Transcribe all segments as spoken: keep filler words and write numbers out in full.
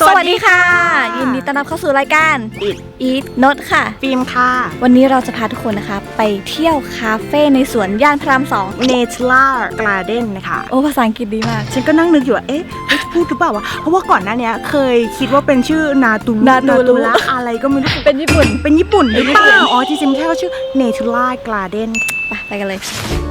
สวัสดีค่ะยินดีต้อนรับเข้าสู่รายการ Eat Eat นดค่ะฟิล์มค่ะวันนี้เราจะพาทุกคนนะคะไปเที่ยวคาเฟ่ในสวนย่านพระรามสอง Nature Garden นะคะโอ้ภาษาอังกฤษดีมากฉันก็นั่งนึกอยู่ว่าเอ๊ะพูดหรือเปล่าวะเพราะว่าก่อนหน้านี้เคยคิดว่าเป็นชื่อนาตูนาตูรุละอะไรก็ไม่รู้เป็นญี่ปุ่นเป็นญี่ปุ่นหรือเปล่าอ๋อจริงๆแค่เขาชื่อ Nature Garden ไปไปกันเลย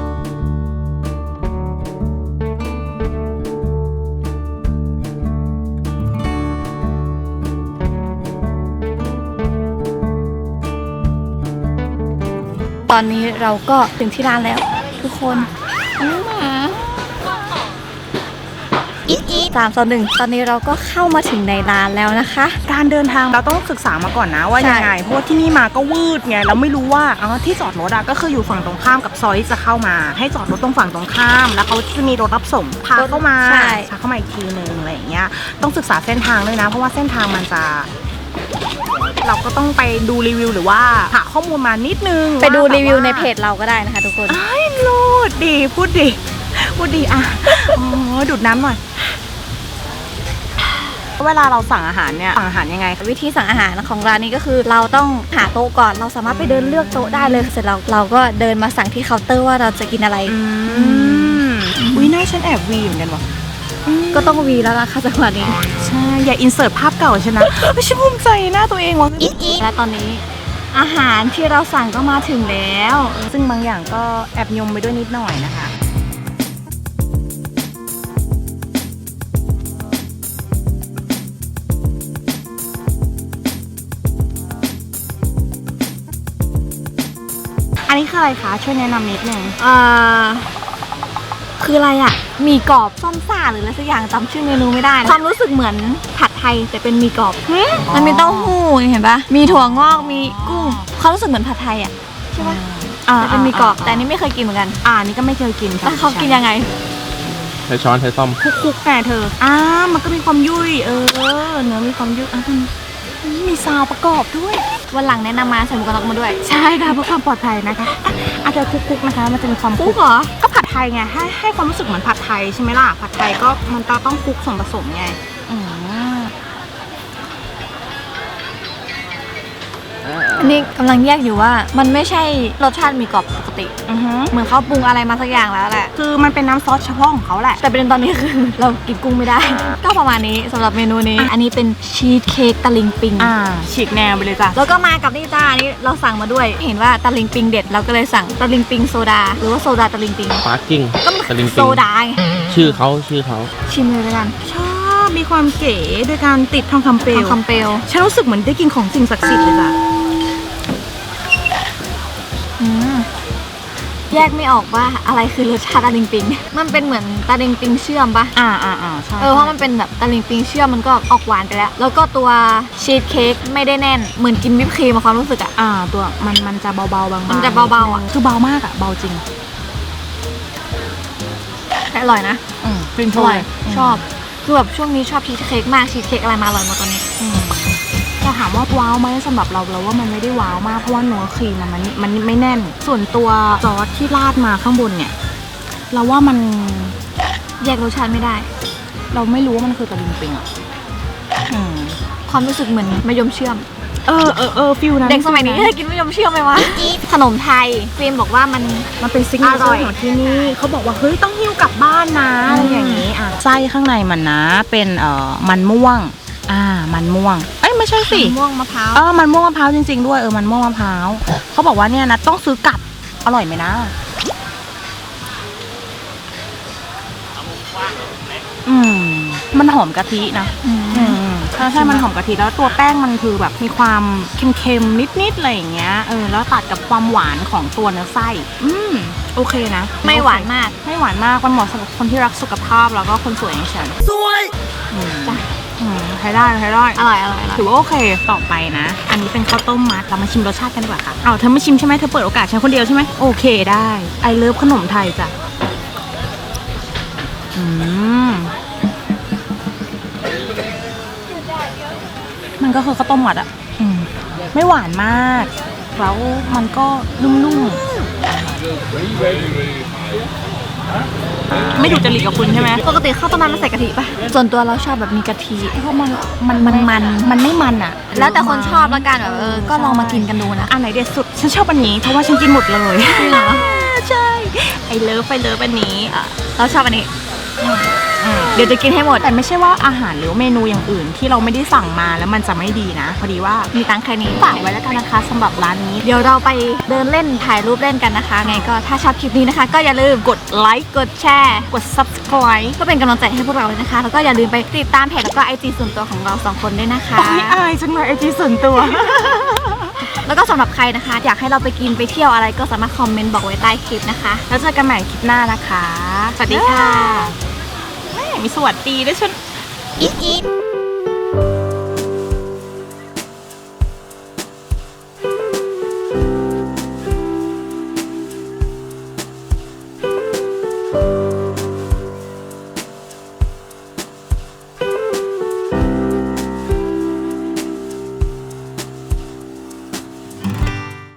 ตอนนี้เราก็ถึงที่ร้านแล้วทุกคนอีทอีทสามสองหนึ่งตอนนี้เราก็เข้ามาถึงในร้านแล้วนะคะการเดินทางเราต้องศึกษามาก่อนนะว่าใช่ยังไงเพราะว่าที่นี่มาก็วืดไงเราไม่รู้ว่าอ๋อที่จอดรถอะก็คืออยู่ฝั่งตรงข้ามกับซอยที่จะเข้ามาให้จอดรถตรงฝั่งตรงข้ามแล้วเขาจะมีรถรับส่งพาเข้ามาใช่พาเข้ามาอีกทีนึงอะไรอย่างเงี้ยต้องศึกษาเส้นทางด้วยนะเพราะว่าเส้นทางมันจะเราก็ต้องไปดูรีวิวหรือว่าหาข้อมูลมานิดนึงไปดูาแบบรีวิวในเพจเราก็ได้นะคะทุกคนไอ้โลดดีพูดดีพูดดีอ่ะอ๋อดูดน้ำหน่อยเวลาเราสั่งอาหารเนี่ยสั่งอาหารยังไงวิธีสั่งอาหารของร้านนี้ก็คือเราต้องหาโต๊ะก่อนเราสามารถไปเดินเลือกโต๊ะได้เลยเสร็จแล้วเราก็เดินมาสั่งที่เคาน์เตอร์ว่าเราจะกินอะไรอืมอุ้ยหน้าฉันแอบวีเหมือนกันวะก็ต้องวีแล้วล่ะค่ะจังหวะนี้ใช่อย่าอินเสิร์ตภาพเก่าฉันนะไม่ใช่ภูมิใจหน้าตัวเองวะและตอนนี้อาหารที่เราสั่งก็มาถึงแล้วซึ่งบางอย่างก็แอบยมไปด้วยนิดหน่อยนะคะอันนี้คืออะไรคะช่วยแนะนำนิดนึงอ่าคืออะไรอ่ะหมีกรอบส้มซ่าหรืออะไรสักอย่างจำชื่อเมนูไม่ได้นะความรู้สึกเหมือนผัดไทยแต่เป็นหมีกรอบมันมีเต้าหู้เห็นปะมีถั่วงอกมีกุ้งความรู้สึกเหมือนผัดไทยอ่ะใช่ปะอ่าแต่เป็นหมีกรอบแต่อันนี้ไม่เคยกินเหมือนกันอ่านี่ก็ไม่เคยกินค่ะแล้วเขากินยังไงใช้ช้อนใช้ซ่อมคุกๆแน่เธออ่ามันก็มีความยุ่ยเออเนื้อมีความยุ่ยอ่ะมันมีซาวประกอบด้วยวันหลังแนะนำมาใส่หมวกกันน็อกมาด้วยใช่ค่ะเพื่อความปลอดภัยนะคะอาจจะคุกๆนะคะมันจะมีความคุกเหรอก็ผัดไทยไงให้ให้ความรู้สึกเหมือนผัดไทยใช่ไหมล่ะผัดไทยก็มันต้องคลุกส่วนผสมไงอืมอันนี้กำลังแยกอยู่ว่ามันไม่ใช่รสชาติหมีกรอบปกติอือฮึเหมือนเขาปรุงอะไรมาสักอย่างแล้วแหละคือมันเป็นน้ำซอสเฉพาะของเขาแหละแต่ประเด็นตอนนี้คือ เรากินกุ้งไม่ได้ ก็ประมาณนี้สำหรับเมนูนี้ อันนี้เป็นชีสเค้กตะลิงปิงอ่าฉีกแนวไปเลยจ้ะแล้วก็มากับนี่จ้าอันนี้เราสั่งมาด้วย เห็นว่าตะลิงปิงเด็ดเราก็เลยสั่งตะลิงปิงโซดา หรือว่าโซดาตะลิงปิงปาร์กิ้งก็มันตะลิงโซปิงดาไงชื่อเขาชื่อเขาชิมเลยแล้วกันชอบมีความเก๋โดยการติดทองคำเปลทอวงคำเปลวฉันรู้สึกเหมือนได้กินของสิ่งศักดิ์สิทธิ์เลยจ้ะอืมแยกไม่ออกว่าอะไรคือรสชาติตะลิงปิง มันเป็นเหมือนตะลิงปิงเชื่อมปะอ่าอ่าอ่าใช่เออเพราะมันเป็นแบบตะลิงปิงเชื่อมมันก็ออกหวานไปแล้ว แล้วก็ตัวชีสเค้กไม่ได้แน่นเหมือนกินวิปครีมอะความรู้สึกอะอ่าตัวมันมันจะเบาๆบางๆมันจะเบาๆอ่ะคือเบามากอ่ะเบาจริงแต่อร่อยนะอืมฟินอร่อยชอบคือแบบช่วงนี้ชอบชีสเค้กมากชีสเค้กอะไรมาอร่อยหมดตอนนี้เราถามว่าว้าวไหมสำหรับเราเราว่ามันไม่ได้ว้าวมากเพราะว่าเนื้อครีมอะมันมันไม่แน่น ส่วนตัวซอสที่ราดมาข้างบนเนี่ย เราว่ามันแยกรสชาติไม่ได้เราไม่รู้ว่ามันคือตะลิงปิงอ่ะอืมความรู้สึกเหมือนมะยมเชื่อมเออเออเออฟิลนั้นเด็กสมัยนี้จะกินมะยมเชื่อมไหมวะขนมไทยฟิล์มบอกว่ามันมันเป็นซิกเนเจอร่ออยร์ของที่นี่เขาบอกว่าเฮ้ยต้องหิ้วกลับบ้านนะอะไรอย่างนี้อ่ะไส้ข้างในมันนะเป็นเอ่อมันม่วง อ่ามันม่วงเอ้ยไม่ใช่สิม่วงมะพร้าวเออมันม่วงมะพร้าวจริงๆด้วยเออมันม่วงมะพร้าวเขาบอกว่าเนี่ยนะต้องซื้อกลับอร่อยไหมนะอืมมันหอมกะทินะอืมอืมใช่ใช่มันหอมกะทิแล้วตัวแป้งมันคือแบบมีความเค็มๆนิดๆอะไรอย่างเงี้ยเออแล้วตัดกับความหวานของตัวเนื้อไส้อืมโอเคนะไม่หวานมากไม่หวานมากมันเหมาะสำหรับคนที่รักสุขภาพแล้วก็คนสวยอย่างฉันสวยจ้ะอืมใช้ได้ใช้ได้อร่อยอร่อยอร่อยถือว่าโอเคต่อไปนะ อันนี้เป็นข้าวต้มมัดเรามาชิมรสชาติกันดีกว่าค่ะเอาเธอไม่ชิมใช่ไหมเธอเปิดโอกาสฉันคนเดียวใช่ไหมโอเคได้ไอเลิฟขนมไทยจ้ะอืมมันก็คือข้าวต้มมัดอะอืมไม่หวานมากแล้วมันก็นุ่มๆไม่ดูจริตกับคุณใช่ไหมปกติข้าวต้มมัดมันใส่กะทิป่ะส่วนตัวเราชอบแบบมีกะทิเพราะมันมันมันมันมันไม่มันอ่ะแล้วแต่คนชอบละกันแบบเออก็ลองมากินกันดูนะอันไหนเด็ดสุดฉันชอบอันนี้เพราะว่าฉันกินหมดเลยจริงเหรอใช่ไอเลิฟไอเลิฟอันนี้อ่ะเราชอบอันนี้เดี๋ยวจะกินให้หมดแต่ไม่ใช่ว่าอาหารหรือเมนูอย่างอื่นที่เราไม่ได้สั่งมาแล้วมันจะไม่ดีนะพอดีว่ามีตังค์แค่นี้ฝากไว้แล้วกันนะคะสำหรับร้านนี้เดี๋ยวเราไปเดินเล่นถ่ายรูปเล่นกันนะคะไงก็ถ้าชอบคลิปนี้นะคะ ก็อย่าลืมกดไลค์กดแชร์กด subscribe ก็เป็นกำลังใจให้พวกเราเลยนะคะ แล้วก็อย่าลืมไปติดตามเพจแล้วก็ไอจีส่วนตัวของเราสองคนด้วยนะคะโอ้ยอายจังเลยไอจีส่วนตัวแล้วก็สำหรับใครนะคะ อยากให้เราไปกินไปเที่ยวอะไรก็สามารถคอมเมนต์บอกไว้ใต้คลิปนะคะแล้วเจอกันใหม่คลิปหน้านะคะ สวัสดีค่ะแม่มีสวัสดีด้วยชุนอีทอีท